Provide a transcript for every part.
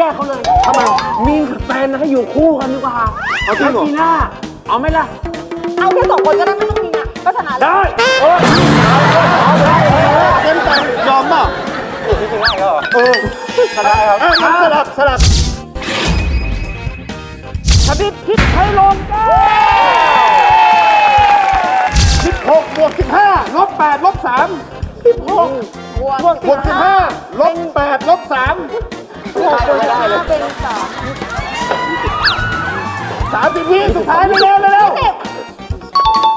ยกเขาเลยทำไมมีนกับแฟนให้อยู่คู่กันดีกว่าเอาจริงเหรอจีน่าเอาไหมล่ะเอาแค่2 คนก็ได้ไม่ต้องมีอ่ะก็ชนะแล้วได้เต็มใจยอมเปล่าชนะครับสลับชบิดคิดให้ลงแก้ 16 บวก 15 ลบ 8 ลบ 3 16 บวกบวก 15 ลบ 8 ลบ 3 15เป็น 30 วิสุดท้ายเร็วไป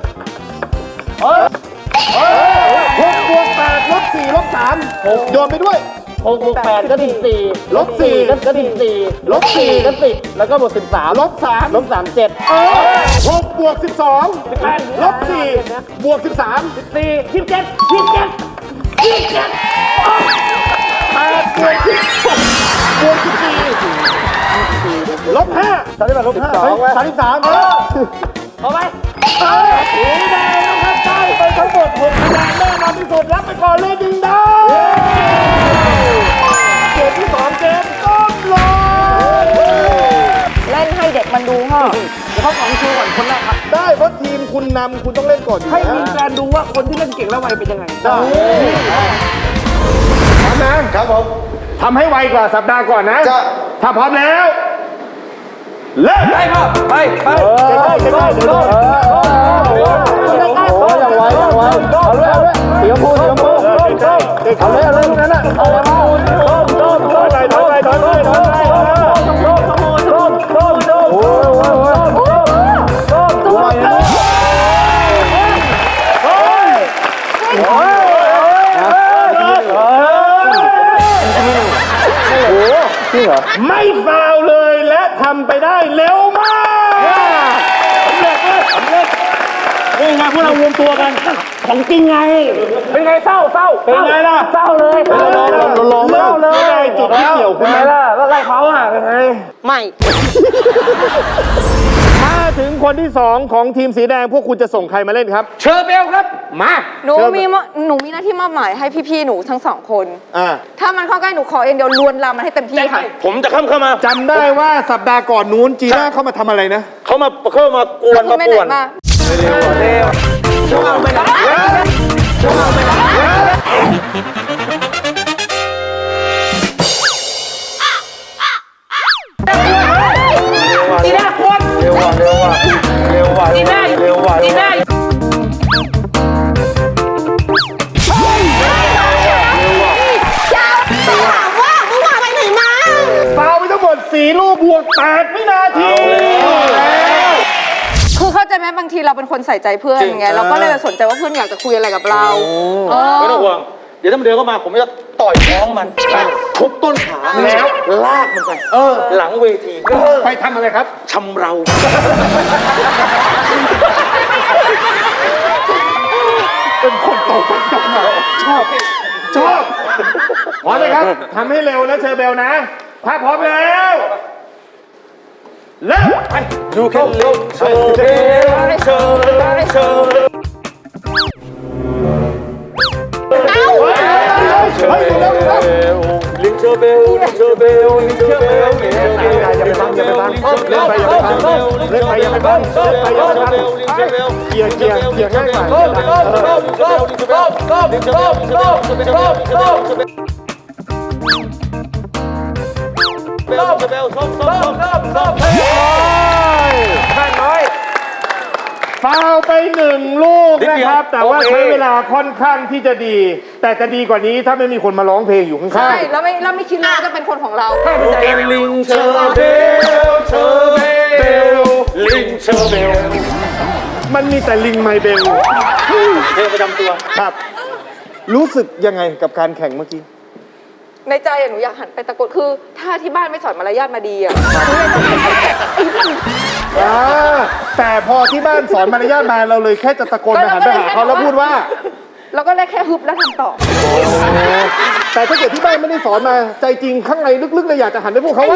6 บวก 8 ลบ 4 ลบ 3 โยนไปด้วย 6 บวก 8 ก็14 ลบ 4 ก็14 ลบ 4 ก็10แล้วก็บวก13 ลบ 3 ลบ3 7 6 บวก 12 ลบ 4 บวก 13 4 27 8 บวก 10 บวก 14 ลบ 5 33 ลบ 5 33 เอาไปสีแดงนะครับได้ไปทั้งหมด6คะแนนแน่นอนที่สุดรับไปก่อนเลยดึงดาวเกมที่2เกมต้มลอยเล่นให้เด็กมันดูพ่อเดี๋ยวเขาของชูก่อนคนแรกครับได้เพราะทีมคุณนำคุณต้องเล่นก่อนอยู่ให้แล้วมีการดูว่าคนที่เล่นเก่งและไวเป็นยังไงได้พร้อมนะครับผมทำให้ไวกว่าสัปดาห์ก่อนนะถ้าพร้อมแล้วเริ่มไปพ่อไปใกล้ๆเดี๋ยวอย่างไวเอาเลยเสียงพูเอาเลยลูกนั้นอ่ะเอาเลยถอยไม่ฟาวเลยและทำไปได้เร็วมากสำเร็จนี่ไงพวกเรารวมตัวกันของจริงไง เป็นไงเศร้าเป็นไงล่ะเศร้าเลยลองเลยจุดที่เกี่ยวคุณไหมล่ะแล้วไล่เขาอ่ะเป็นไงไม่ถ้าถึงคนที่2ของทีมสีแดงพวกคุณจะส่งใครมาเล่นครับเชอร์เบลครับมาหนูมีหน้าที่มอบหมายให้พี่ๆหนูทั้ง2 คนอ่าถ้ามันเข้าใกล้หนูขอเองเดียวลวนลามมันให้เต็มที่ค่ะผมจะเข้ามาจำได้ว่าสัปดาห์ก่อนนู้นจีน่าเข้ามาทำอะไรนะเขามากวนมาไม่ป่ไหนวนมาจีน่ากวนเร็วว่ะจีน่าฟาวไปทั้งหมด4 ลูกบวก 8 วินาทีคือเข้าใจไหมบางทีเราเป็นคนใส่ใจเพื่อนไงเราก็เลยสนใจว่าเพื่อนอยากจะคุยอะไรกับเราไม่ต้องห่วง เดี๋ยวถ้ามันเดินเข้ามาผมจะต่อยท้องมันทุบต้นขาแล้วลากมันไปหลังเวทีไปทำอะไรครับชำเราเป็นคนตกตกมาชอบพร้อมเลยครับทำให้เร็วนะเชอร์เบลนะ ถ้าพร้อมแล้วเริ่มไป You can live เชอร์เบล ลิงเชอร์เบลลิงเชอร์เบลลิงเชอร์เบลอย่าไปบังเล่นไปอย่าไปบังเกียร์ง่ายกว่าฟาวไป1 ลูกนะครับ แต่ว่าใช้เวลาค่อนข้างที่จะดี แต่จะดีกว่านี้ถ้าไม่มีคนมาร้องเพลงอยู่ข้างๆใช่แล้วไม่คิดว่าจะเป็นคนของเราลิงเชอร์เบลลิงเชอร์เบลมันมีแต่ลิงไมเบลเพลงประจำตัวครับ รู้สึกยังไงกับการแข่งเมื่อกี้ในใจหนูอยากหันไปตะโกนคือถ้าที่บ้านไม่สอนมารยาทมาดีแต่พอที่บ้านสอนมารยาทมาเราเลยแค่จะตะโกนไปหันไปหาเขาแล้วพูดว่าเราก็เลยแค่ฮึบแล้วทำต่อแต่ถ้าเกิดที่บ้านไม่ได้สอนมาใจจริงข้างในลึกๆเลยอยากจะหันไปพูดเขาว่า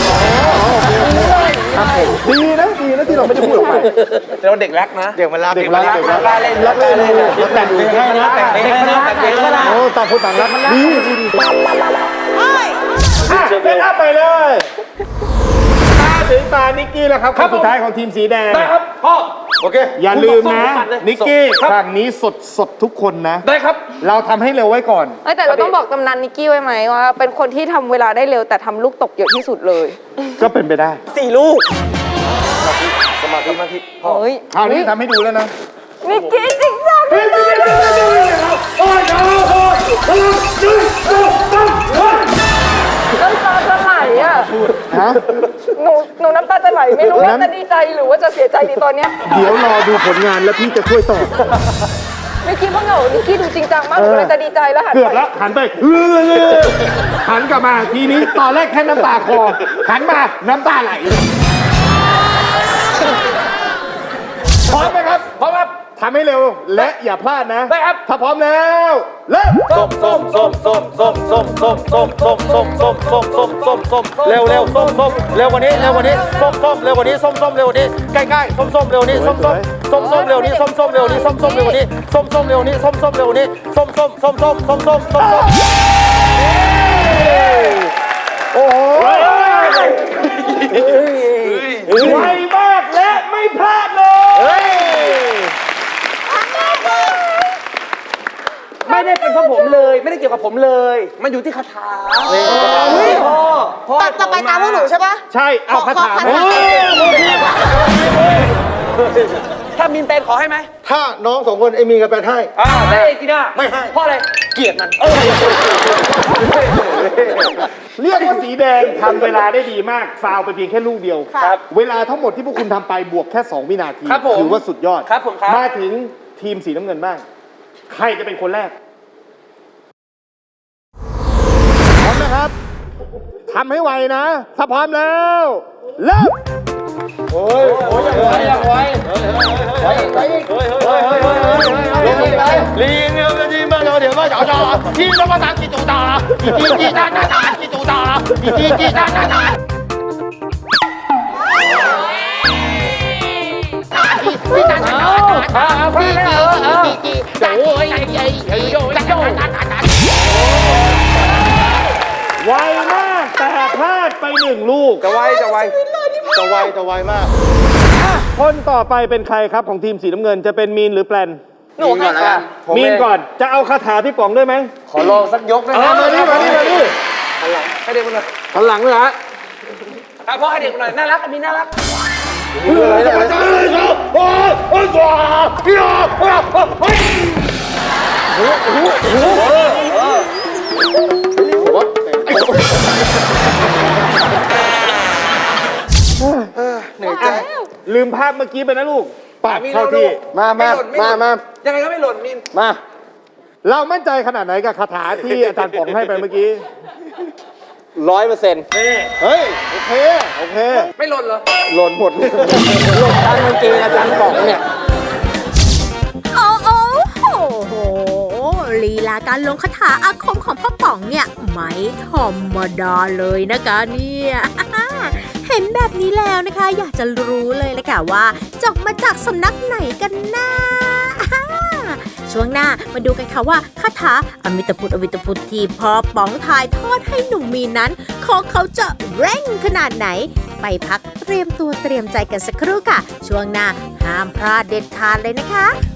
ดีนะที่เราไม่ได้พูดออกไปเราเด็กรักนะ เด็กมันรักเด็กรักแต่งเพลงให้นะแต่งเพลงให้นะโอ้ต่างคนต่างรักมันดีเซตอัพไปเลยมาถึงตานิกกี้แล้วครับคนสุดท้ายของทีมสีแดงได้ครับพ่อโอเคอย่าลืมนะผมปัดเลยนิกกี้ครับฝั่งนี้สดทุกคนนะได้ครับเราทำให้เร็วไว้ก่อนเอ้ยแต่เราต้องบอกตำนานนิกกี้ไว้ไหมว่าเป็นคนที่ทำเวลาได้เร็วแต่ทำลูกตกเยอะที่สุดเลยก็เป็นไปได้ 4 ลูก สมาธิพ่อเฮ้ยคราวนี้ทำให้ดูแล้วนะนิกกี้จริงจังที่สุดน้ำตาจะไหลอ่ะฮะหนูน้ำตาจะไหลไม่รู้ว่าจะดีใจหรือว่าจะเสียใจดีตอนเนี้ยเดี๋ยวรอดูผลงานแล้วพี่จะช่วยตอบไม่คิดว่าเหงานิกกี้ดูจริงจังมากหนูเลยจะดีใจแล้วหันเกือบไปแล้วหันไปหันกลับมาทีนี้ตอนแรกแค่น้ำตาคอหันมาน้ำตาไหลพร้อมไหมครับพร้อมครับทำให้เร็วและอย่าพลาดนะได้ครับถ้าพร้อมแล้วเริ่มเร็วส้มเร็วกว่านี้ส้มเร็วกว่านี้ส้มเร็วกว่านี้ใกล้ๆส้มเร็วนี้ส้มเร็วนี้ส้มเร็วนี้ส้มเร็วนี้ส้มเร็วนี้ส้มเร็วนี้ส้มโอ้โหไวมากและไม่พลาดเลยไม่ได้เป็นเพราะผมเลย ไม่ได้เกี่ยวกับผมเลย มันอยู่ที่คาถาพ่อต่อไปตามพวกหนูใช่ปะใช่เอาคาถาขอมาถ้ามินเป็นขอให้ไหมถ้าน้องสองคนไอ้มีกับแปนให้ไม่จีน่าไม่ให้เพราะอะไร เกลียดมันเรียกว่าสีแดงทำเวลาได้ดีมากฟาวไปเพียงแค่ลูกเดียวครับเวลาทั้งหมดที่พวกคุณทำไปบวกแค่ 2 วินาทีครับผมถือว่าสุดยอดครับผมครับมาถึงทีมสีน้ำเงินบ้าง ใครจะเป็นคนแรก พร้อมนะครับทำให้ไวนะ ถ้าพร้อมแล้วเริ่ม离牛的你们有点么小小，你他妈打起赌打了，你打起赌打了，你打。 ไวมากแต่พลาดไป1 ลูกจะไวจะไวมากคนต่อไปเป็นใครครับของทีมสีน้ำเงินจะเป็นมีนหรือแปลนหนูให้ค่ะมีนก่อนจะเอาคาถาพี่ป๋องด้วยไหมขอลองสักยกนะเอามานี่ให้เด็กมันหน่อยหันหลังเลยฮะพ่อให้เด็กมันหน่อย น่ารักมีน่ารักเหนื่อยใจลืมภาพเมื่อกี้ไปนะลูกปากเข้าที่มายังไงก็ไม่หล่นมินมาเรามั่นใจขนาดไหนกับคาถาที่อาจารย์ป๋องให้ไปเมื่อกี้ 100%เฮ้ยโอเค โอเคไม่หล่นเหรอหล่นหมดหล่นตามกางเกงอาจารย์ป๋องเนี่ยโอ้โหลีลาการลงคาถาอาคมของพ่อป๋องเนี่ยไม่ธรรมดาเลยนะคะเนี่ย เห็นแบบนี้แล้วนะคะ อยากจะรู้เลยละค่ะว่าจบมาจากสำนักไหนกันนะช่วงหน้ามาดูกันค่ะว่าคาถาอมิตพุทธอวิตพุทธที่พ่อป๋องถ่ายทอดให้หนุ่มมีนนั้นของเขาจะเร่งขนาดไหน ไปพักเตรียมตัวเตรียมใจกันสักครู่ค่ะ ช่วงหน้าห้ามพลาดเด็ดขาดเลยนะคะ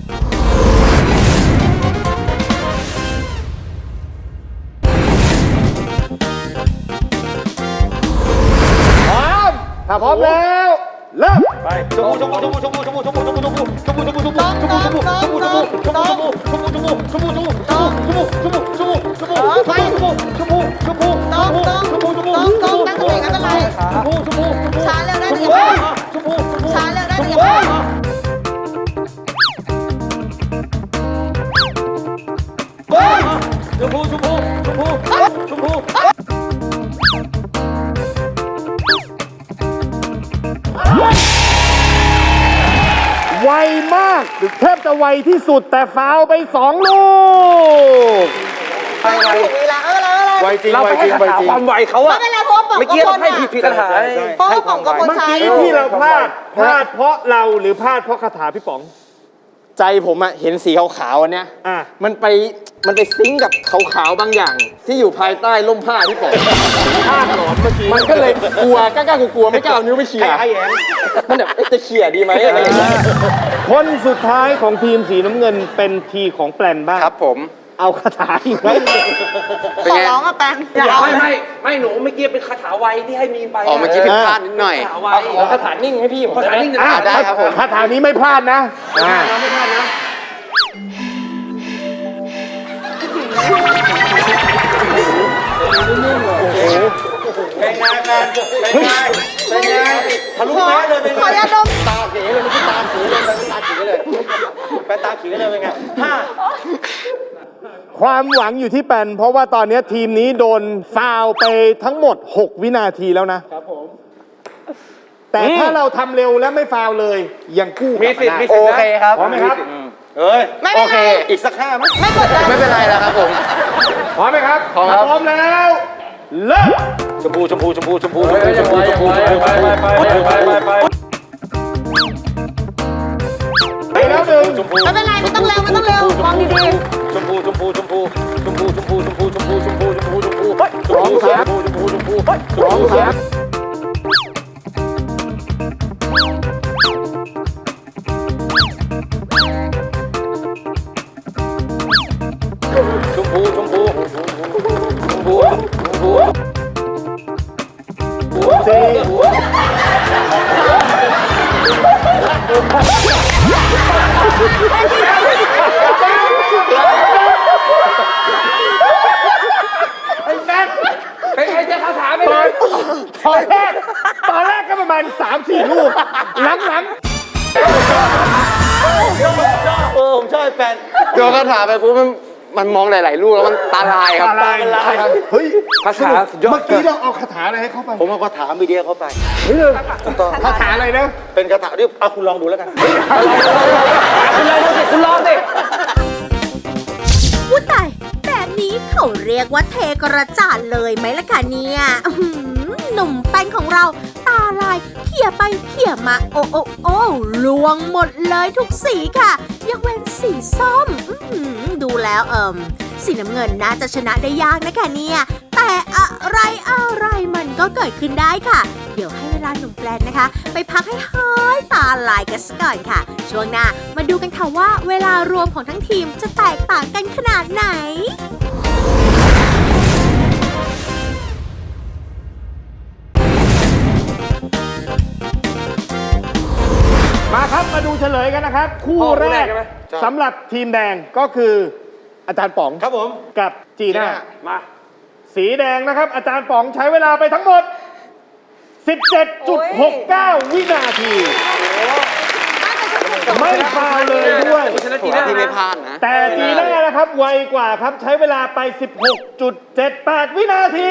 พร้อม ถ้าพร้อมแล้ว เริ่มช้าเร็วได้หรือยังช้าเร็วได้หรือยังไวมากแทบจะไวที่สุดแต่ฟาวไป2 ลูกไวจริงเราไวไปจให้ริงคาไวถาจริงความไวเขาอะไม่เป็นไรเพราะว่าป๋องเมื่อกี้เราให้ผิดคาถาเพราะว่าป๋องกับคนเมื่อใช้กี้ที่เราพลาดเพราะเราหรือพลาดเพราะคาถาพี่ป๋องใจผมอะเห็นสีขาวๆอันเนี้ยอ่ะมันไปซิงก์กับขาวๆบางอย่าง ที่อยู่ภายใต้ร่มผ้าที่ผมผ้าหลอมเมื่อกี้มันก็เลยกลัวกล้าๆกลัวๆไม่กล้าเอานิ้วไปเขี่ยมันแบบเอ๊ะจะเขี่ยดีไหมอะไรอย่างเงี้ยคนสุดท้ายของทีมสีน้ำเงินเป็นทีของแปลนบ้างครับผมเอาคาถาอีกไหมขอร้องอะแปนอย่าเอาไม่หนูเมื่อกี้เป็นคาถาไวที่ให้มีนไปอ๋อเมื่อกี้ผิดพลาดนิดหน่อยคาถาไวขอคาถานิ่งให้พี่ผมคาถานิ่งอ่ะได้ครับผมคาถานี้ไม่พลาดนะอ่ะไม่พลาดนะทะลุแม้เลยเป็นไงขอยาดมตาเขีเลยไม่ใช่ตาขีเลยเป็นตาขีเลยเป็นตาขีเลยเป็นไงความหวังอยู่ที่แปลนเพราะว่าตอนนี้ทีมนี้โดนฟาวล์ไปทั้งหมด 6 วินาทีแล้วนะ ครับผม แต่ถ้าเราทำเร็วและไม่ฟาวล์เลย ยังกู้กลับมาได้โอเคครับพร้อมไหมครับไม่เป็นไรอีกสัก5มั้ยไม่กดดันไม่เป็นไรแล้วครับผมพร้อมไหมครับพร้อมครับพร้อมแล้วเริ่ม ไปแล้วหนึ่งไม่เป็นไรไม่ต้องเร็วไม่ต้องเร็วมองดีสองสามสองสาม สี่ตอนแรกก็ประมาณ 3-4 ลูกหลังโยนคาถาไปปุ๊บมันมองหลายๆลูกแล้วมันตาลายครับตาลายเฮ้ยคาถาสุดยอดเมื่อกี้เราเอาคาถาอะไรให้เขาไปผมเอาคาถามีเดียเข้าไปคาถาอะไรนะเป็นคาถาที่เอาคุณลองดูแล้วกันคุณลองสิอุ้ยตายแบบนี้เขาเรียกว่าเทกระจาดเลยไหมล่ะคะเนี่ยอื้อหือหนุ่มแป้งของเราตาลายเขี่ยไปเขี่ยมาโอ้โอ้โอ้ลวงหมดเลยทุกสีค่ะยกเว้นสีส้มอื้อหือดูแล้วสีน้ำเงินน่าจะชนะได้ยากนะคะเนี่ยแต่อะไรมันก็เกิดขึ้นได้ค่ะ เดี๋ยวให้เวลาหนุ่มแปลนนะคะ ไปพักให้หายตาลายกันสักก่อนค่ะ ช่วงหน้ามาดูกันค่ะว่าเวลารวมของทั้งทีมจะแตกต่างกันขนาดไหนมาครับมาดูเฉลยกันนะครับ คู่แรกสำหรับทีมแดงก็คืออาจารย์ป๋องครับผมกับจีน่ามาสีแดงนะครับ อาจารย์ป๋องใช้เวลาไปทั้งหมด 17.69 วินาที ไม่ฟาวล์เลยด้วยถือว่าที่ไม่พลาดนะแต่จีน่านะครับไวกว่าครับใช้เวลาไป 16.78 วินาที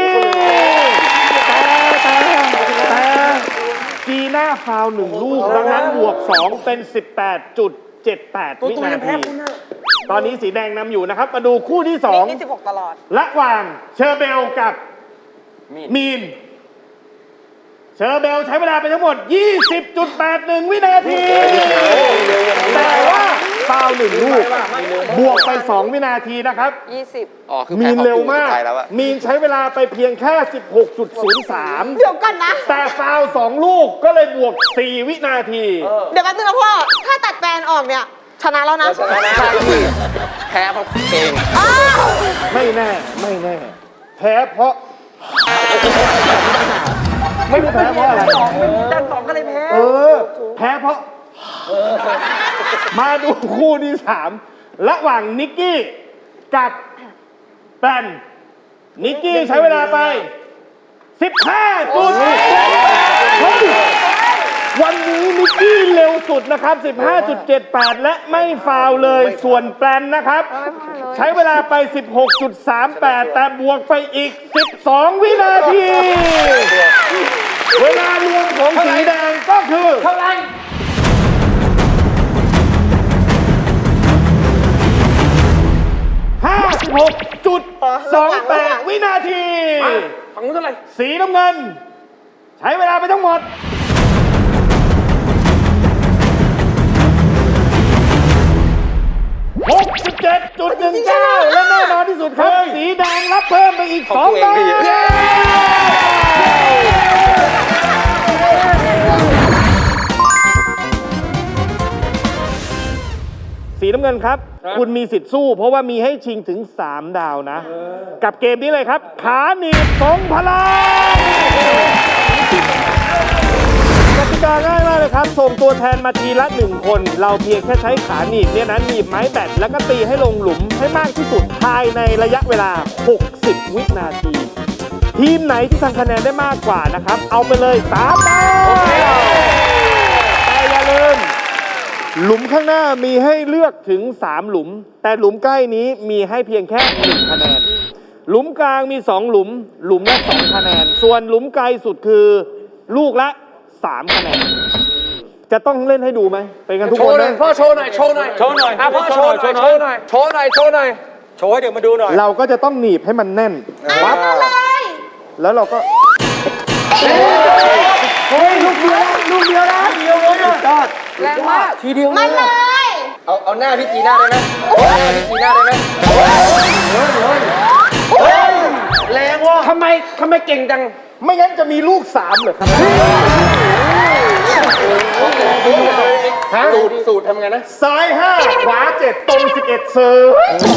แต่จีน่าฟาวล์1 ลูกดังนั้นบวก 2 เป็น 18.78 วินาที ตอนนี้สีแดงนำอยู่นะครับ มาดูคู่ที่ๆนี่16ตลอด 2 ระหว่างเชอร์เบลกับมีน เชอร์เบลใช้เวลาไปทั้งหมด 20.81 วินาที แต่ว่าฟาวล์1 ลูก บวกไป 2 วินาทีนะครับ 20 อ๋อ คือมีนเร็วมากสุดท้ยแล้วอะมีนใช้เวลาไปเพียงแค่ 16.03 เดี๋ยวก่อนนะแต่ฟาวล์2 ลูกก็เลยบวก 4 วินาทีเดี๋ยวแป๊บนึงนะพ่อ ถ้าตัดแฟนออกเนี่ย ชนะแล้วนะแพ้เพราะเองอ้าวไม่แน่ แพ้เพราะ ไม่รู้แพ้เพราะอะไรจันป๋องก็เลยแพ้แพ้เพราะ มาดูคู่ที่ 3 ระหว่างนิกกี้กับแปนนิกกี้ใช้เวลาไป 15 จุดเฮ้ยวันนี้นิกกี้เร็วสุดนะครับ 15.78 และไม่ฟาวล์เลย ส่วนแปนนะครับ ใช้เวลาไป 16.38 แต่บวกไปอีก 12 วินาที เวลารวมของสีแดงก็คือเท่าไหร่ 56.28 วินาทีฝั่งนู้นเท่าไหร่สีน้ำเงิน ใช้เวลาไปทั้งหมดอีก2 ดาวสีน้ำเงินครับ คุณมีสิทธิ์สู้ เพราะว่ามีให้ชิงถึง 3 ดาวนะ กับเกมนี้เลยครับ ขาหนีบทรงพลังกติกาง่ายมากเลยครับ ส่งตัวแทนมาทีละ 1 คน เราเพียงแค่ใช้ขาหนีบเนี่ยนะหนีบไม้แบตแล้วก็ตีให้ลงหลุมให้มากที่สุดภายในระยะเวลา 60 วินาที ทีมไหนที่ทำคะแนนได้มากกว่านะครับ เอาไปเลย 3 ดาวแต่อย่าลืม หลุมข้างหน้ามีให้เลือกถึง 3 หลุม แต่หลุมใกล้นี้มีให้เพียงแค่ 1 คะแนน หลุมกลางมี 2 หลุม หลุมละ 2 คะแนน ส่วนหลุมไกลสุดคือลูกละ 3 คะแนน จะต้องเล่นให้ดูไหมไปกันทุกคนนะพ่อโชว์หน่อย โชว์หน่อย โชว์หน่อยพ่อโชว์หน่อย โชว์หน่อย โชว์หน่อย โชว์หน่อยโชว์ให้เดี๋ยวมาดูหน่อยเราก็จะต้องหนีบให้มันแน่นปั๊บแล้วเราก็แรงมากทีเดียวมันเลยเอาหน้าพี่จีน่าได้ไหมพี่จีน่าได้ไหมแรงว่ะทำไมเก่งจังไม่งั้นจะมีลูก 3เหรอครับสูตรทำไงนะซ้าย 5 ขวา 7 ตรง 11 เซอร์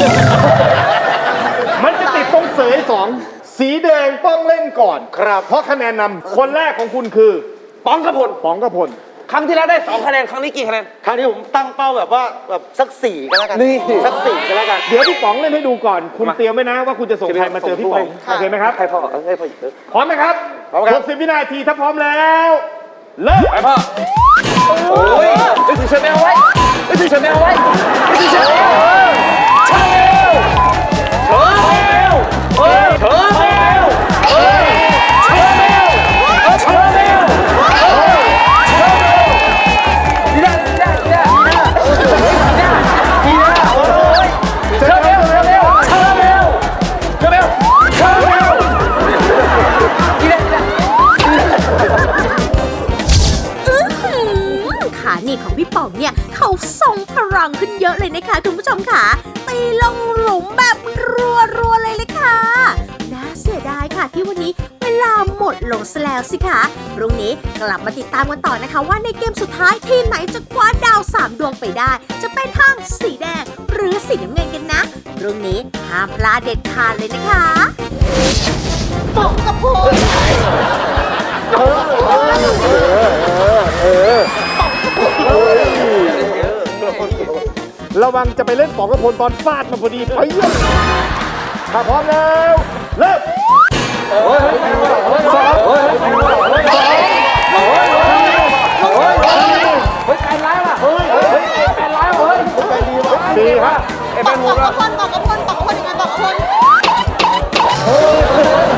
มันจะติดตรงเสย2 สีแดงต้องเล่นก่อนครับ เพราะคะแนนนำคนแรกของคุณคือป้องกระพลป๋องกระพลครั้งที่แล้วได้ 2 คะแนน ครั้งนี้กี่คะแนนครั้งนี้ผมตั้งเป้าแบบว่าแบบสัก4กันแล้วกันนี่สัก4กันแล้วกันเดี๋ยวพี่ป๋องเล่นให้ดูก่อน คุณเตรียมไว้นะว่าคุณจะส่งใครมาเจอพี่ป๋อง โอเคไหมครับให้พ่อให้พ่อพร้อมไหมครับพร้อมครับ 60 วินาทีถ้าพร้อมแล้วเริ่มไปพ่อ โอ้ยนึกถึงเชอร์แมวไว้นึกถึงเชอร์แมวไว้นึกถึงเชอร์แมวเชอร์แมวเชอร์แมวเฮ้ยเชอร์แมวเฮ้ยเชอร์แมวเชอร์แมวดีนะดีนะดีนะดีนะโอ้ยเชอร์แมวเชอร์แมวเชอร์แมวเชอร์แมวเชอร์แมวดีนะดีนะขาหนีบของพี่ป๋องเนี่ยเขาทรงพลังขึ้นเยอะเลยนะคะคุณผู้ชมค่ะตีลงหลุมแบบรัวๆเลยค่ะน่าเสียดายค่ะที่วันนี้เวลาหมดลงซะแล้วสิคะพรุ่งนี้กลับมาติดตามกันต่อนะคะว่าในเกมสุดท้ายทีมไหนจะคว้าดาว3 ดวงไปได้ จะเป็นทางสีแดงหรือสีน้ำเงินกันนะพรุ่งนี้ห้ามพลาดเด็ดขาดเลยนะคะป๋องกระพูนระวังจะไปเล่นป๋องกระพลตอนฟาดมาพอดีไปเยี่ยมถ้าพร้อมแล้วเริ่ม ดีครับบอกกระพลยังไงบอกกระพล